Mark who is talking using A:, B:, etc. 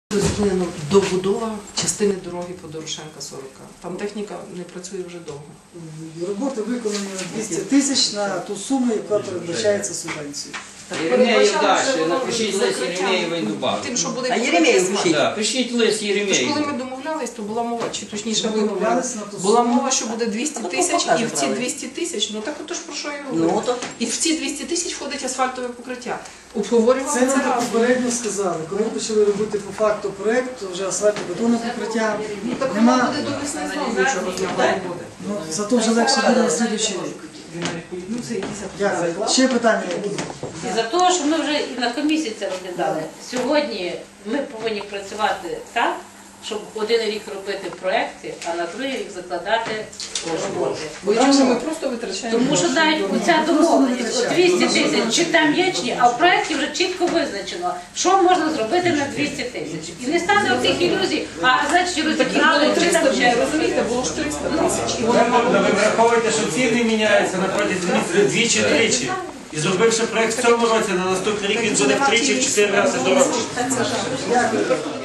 A: Зупинено добудова частини дороги по Дорошенка 40. Там техніка не працює вже довго.
B: Роботи виконані на 200 тисяч на ту суму, яка передбачається субвенцією.
C: Єремєєв далі, напишіть лист Єремєєвої Дубави.
A: Тим, що буде
D: А Єремєєв пишіть.
C: Так, пишіть лист
A: Тож, коли
C: Єремєєву.
A: ми домовлялись, то була мова, чи точніше ви говорили,
B: Домовлялись на ту
A: була
B: суму.
A: мова, що буде 200 тисяч, і в ці
D: показували.
A: 200 тисяч, ну так отож про що я
D: Ну,
A: говорю.
D: то.
A: І в ці 200 тисяч входить асфальтове покриття. Обговорювали
B: Це
A: це
B: нам
A: разом.
B: попередньо сказали. Коли ми почали робити по факту проєкт, то вже асфальтобетонне покриття
A: Так воно
B: нема.
A: буде до весни знову нічого з нього не буде.
B: Ну, зато вже легше буде на слідуючий рік. Дякую. Ще питання які?
E: І за того, що ми вже і на комісії це розглядали, сьогодні ми повинні працювати так, щоб один рік робити проекти, а на другий рік закладати роботи.
A: Бо інакше ми просто витрачаємо.
E: Тому що навіть оця домовленість, от 200 тисяч, чи там є, чи ні, а в проєкті вже чітко визначено, що можна зробити на 200 тисяч. І не стане отих ілюзій, а значить розібрали,
A: Було
E: чи
A: 300
E: там
A: вже,
E: ще.
A: розумієте, було ж 300 тисяч. І воно мало
F: Ви враховуєте, що ціни міняються на протязі двічі-тричі. І зробивши проєкт в цьому році, на наступний рік він буде втричі-в 4 рази дорожчий.
B: Дякую.